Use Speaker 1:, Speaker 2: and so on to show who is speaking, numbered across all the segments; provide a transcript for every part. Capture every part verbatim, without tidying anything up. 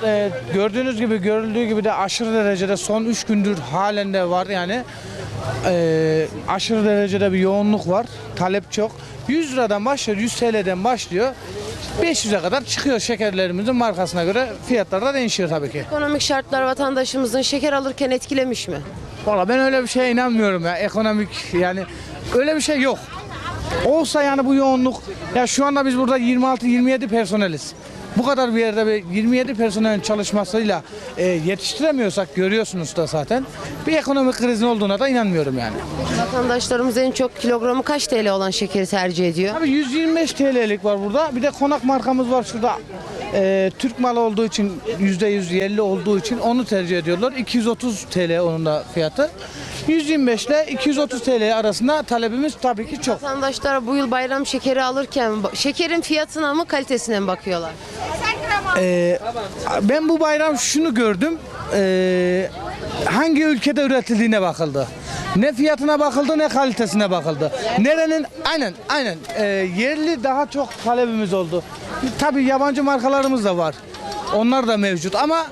Speaker 1: e, gördüğünüz gibi görüldüğü gibi de aşırı derecede son üç gündür halen de var yani. E, aşırı derecede bir yoğunluk var. Talep çok. yüz liradan başlıyor, yüz T L'den başlıyor. beş yüze kadar çıkıyor şekerlerimizin markasına göre fiyatlar da değişiyor tabii ki.
Speaker 2: Ekonomik şartlar vatandaşımızın şeker alırken etkilemiş mi?
Speaker 1: Valla ben öyle bir şeye inanmıyorum ya. Ekonomik yani öyle bir şey yok. Olsa yani bu yoğunluk ya şu anda biz burada yirmi altı yirmi yedi personeliz. Bu kadar bir yerde bir yirmi yedi personelin çalışmasıyla e, yetiştiremiyorsak görüyorsunuz da zaten bir ekonomik krizin olduğuna da inanmıyorum yani.
Speaker 2: Vatandaşlarımız en çok kilogramı kaç T L olan şekeri tercih ediyor?
Speaker 1: Abi yüz yirmi beş T L'lik var burada. Bir de konak markamız var şurada. E, Türk malı olduğu için yüzde yüz yerli olduğu için onu tercih ediyorlar. iki yüz otuz T L onun da fiyatı. yüz yirmi beş ile iki yüz otuz T L arasında talebimiz tabii ki çok.
Speaker 2: Vatandaşlar bu yıl bayram şekeri alırken şekerin fiyatına mı kalitesine mi bakıyorlar?
Speaker 1: Ee, ben bu bayram şunu gördüm. Ee, hangi ülkede üretildiğine bakıldı. Ne fiyatına bakıldı ne kalitesine bakıldı. Nerenin aynen aynen ee, yerli daha çok talebimiz oldu. Tabii yabancı markalarımız da var. Onlar da mevcut ama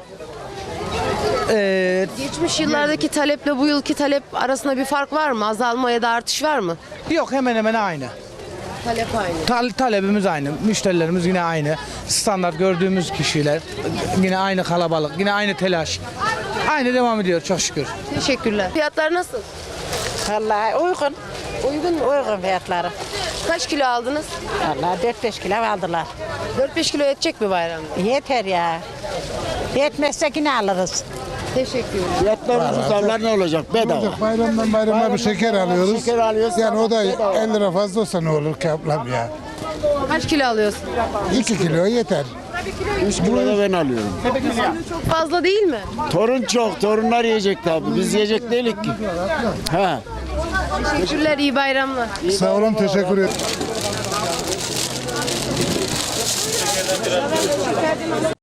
Speaker 1: ee,
Speaker 2: Geçmiş yıllardaki taleple bu yılki talep arasında bir fark var mı? Azalma ya da artış var mı?
Speaker 1: yok hemen hemen aynı.
Speaker 2: Talep aynı.
Speaker 1: Tal- talebimiz aynı. Müşterilerimiz yine aynı. Standart gördüğümüz kişiler yine aynı kalabalık, yine aynı telaş. Aynı devam ediyor çok şükür.
Speaker 2: Teşekkürler. Fiyatlar nasıl?
Speaker 3: Vallahi uygun.
Speaker 2: Uygun mu?
Speaker 3: Uygun fiyatları.
Speaker 2: Kaç kilo aldınız?
Speaker 3: Vallahi dört beş kilo aldılar.
Speaker 2: dört beş kilo yetecek mi bayramda?
Speaker 3: Yeter ya. Yetmezse yine alırız.
Speaker 2: Teşekkürler.
Speaker 4: Fiyatlarımızın zamlar ne olacak? Bedava.
Speaker 5: Bayramdan bayrama bir şeker alıyoruz.
Speaker 4: Şeker alıyoruz.
Speaker 5: Yani o da elli lira fazla olsa ne olur ki ablam ya?
Speaker 2: Kaç kilo alıyorsun?
Speaker 5: iki kilo yeter.
Speaker 4: üç kilo da ben alıyorum.
Speaker 2: Çok fazla değil mi?
Speaker 4: Torun çok. Torunlar yiyecek tabii. Biz yiyecek değilik ki. Ha.
Speaker 2: Teşekkürler, iyi bayramlar.
Speaker 5: Sağ olun, teşekkür ederim.